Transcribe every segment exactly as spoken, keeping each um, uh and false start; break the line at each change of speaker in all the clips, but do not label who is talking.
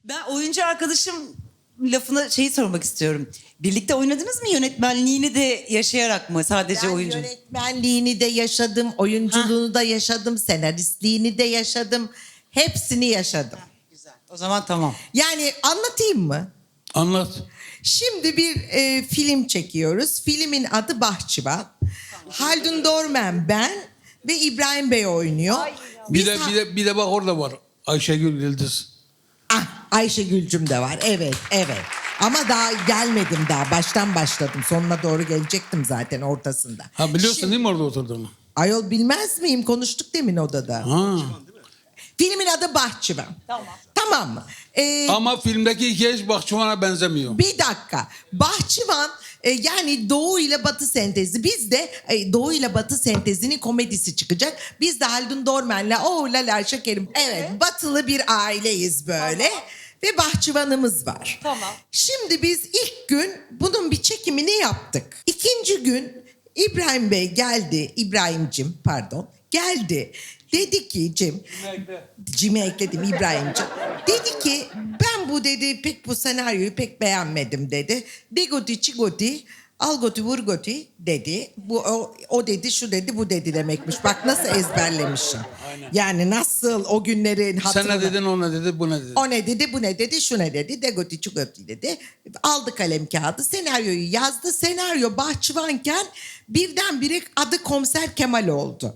Ben oyuncu arkadaşım lafına şeyi sormak istiyorum. Birlikte oynadınız mı, yönetmenliğini de yaşayarak mı, sadece
Ben
oyuncu?
yönetmenliğini de yaşadım, oyunculuğunu da yaşadım, senaristliğini de yaşadım. Hepsini yaşadım.
Güzel. O zaman tamam.
Yani anlatayım mı?
Anlat.
Şimdi bir e, film çekiyoruz. Filmin adı Bahçıvan. Haldun Dorman, ben ve İbrahim Bey oynuyor.
Bir
Biz
de,
ha-
bir de bir de bak orada var. Ayşegül Yıldız.
Ah, Ayşe Gülcüm de var. Evet, evet. Ama daha gelmedim daha. Baştan başladım. Sonuna doğru gelecektim zaten ortasında.
Ha biliyorsun
Şimdi-
değil mi orada oturduğunu?
Ayol bilmez miyim? Konuştuk demin odada.
Ha.
Filmin adı Bahçıvan. Tamam. Tamam mı? Ee,
Ama filmdeki hikaye hiç Bahçıvan'a benzemiyor.
bir dakika. Bahçıvan e, yani Doğu ile Batı sentezi. Biz de e, Doğu ile Batı sentezinin komedisi çıkacak. Biz de Haldun Dormen'le o lala şekerim. Evet, batılı bir aileyiz böyle. Ve bahçıvanımız var.
Tamam.
Şimdi biz ilk gün bunun bir çekimini yaptık. İkinci gün İbrahim Bey geldi. İbrahim'cim pardon. Geldi. Dedi ki Cem. Cim'i ekledim İbrahim'cim. Dedi ki ben bu dedi pek bu senaryoyu pek beğenmedim dedi. Degoti çigoti algoti vurgoti dedi. Bu o, o dedi şu dedi bu dedi demekmiş. Bak nasıl ezberlemişim. Yani nasıl o günlerin
Sen
hatırına.
ne dedin, o ne dedi, bu ne dedi.
O ne dedi, bu ne dedi, şu ne dedi, degoti çugoti dedi. Aldı kalem kağıdı, senaryoyu yazdı. Senaryo bahçıvanken birdenbire adı Komiser Kemal oldu.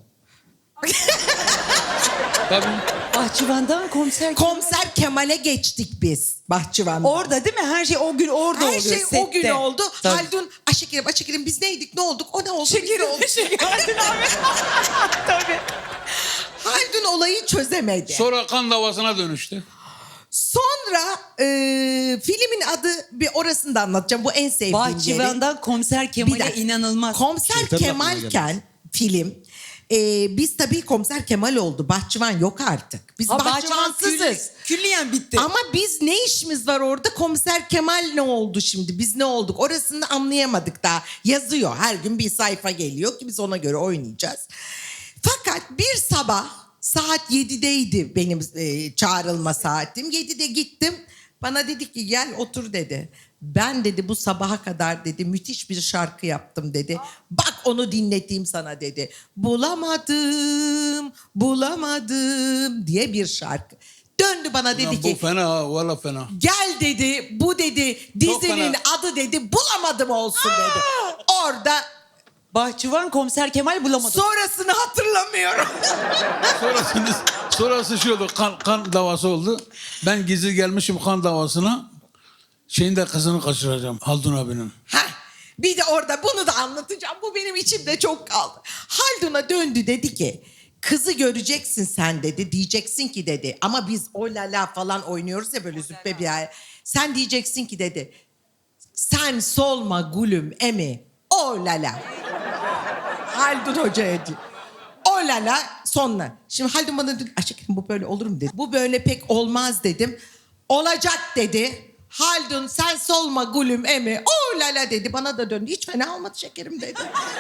Tabii.
Bahçıvan'dan komiser...
Komiser Kemal'e geçtik biz bahçıvanda.
Orada değil mi? Her şey o gün orada
Her
oluyor.
şey o
sette.
gün oldu.
Tabii.
Haldun, Aşekerim, Aşekerim biz neydik, ne olduk, o ne oldu, biz ne
Şekerim,
olduk.
şekerim. abi. Tabii.
Haldun olayı çözemedi.
Sonra kan davasına dönüştü.
Sonra e, filmin adı, bir orasını da anlatacağım. Bu en sevdiğim yeri.
Bahçıvan'dan komiser
Bir
Kemal'e
dakika.
inanılmaz.
Komiser
Şeytanın aklına
Kemal'ken film e, biz tabii Komiser Kemal oldu. Bahçıvan yok artık. Biz
Ha, Bahçıvan
bahçıvansızız.
külli- külliyen bitti.
Ama biz ne işimiz var orada? Komiser Kemal ne oldu şimdi? Biz ne olduk? Orasını anlayamadık daha. Yazıyor. Her gün bir sayfa geliyor ki biz ona göre oynayacağız. Fakat bir sabah saat yedideydi benim e, çağrılma saatim. yedide gittim. Bana dedi ki gel otur dedi. Ben dedi bu sabaha kadar dedi müthiş bir şarkı yaptım dedi. Bak onu dinleteyim sana dedi. Bulamadım, bulamadım diye bir şarkı. Döndü bana dedi
Ulan
ki
bu fena ha, valla fena.
gel dedi bu dedi dizinin
fena.
adı dedi bulamadım olsun dedi. Orada
Bahçıvan komiser Kemal bulamadı.
sonrasını hatırlamıyorum.
Sonrasında, sonrası şey oldu, kan, kan davası oldu. Ben gizli gelmişim kan davasına. Şeyin de kızını kaçıracağım, Haldun abinin.
Heh, bir de orada bunu da anlatacağım. Bu benim içimde çok kaldı. Haldun'a döndü dedi ki kızı göreceksin sen dedi. Diyeceksin ki dedi ama biz o lala falan oynuyoruz ya böyle züppe bir ay. Sen diyeceksin ki dedi sen solma gülüm emi o lala. Haldun Hoca'ya diyor. O lala sonla. Şimdi Haldun bana dedi aşkım bu böyle olur mu dedi. Bu böyle pek olmaz dedim. Olacak dedi. Haldun sen solma gülüm emi. O lala dedi. Bana da döndü. Hiç fena olmadı şekerim dedi.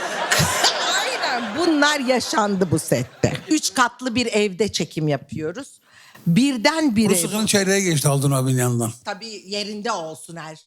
Aynen bunlar yaşandı bu sette. Üç katlı bir evde çekim yapıyoruz. Birden bir ev.
Rusya'nın çeyreğe geçti Haldun abinin yanından.
Tabii yerinde olsun her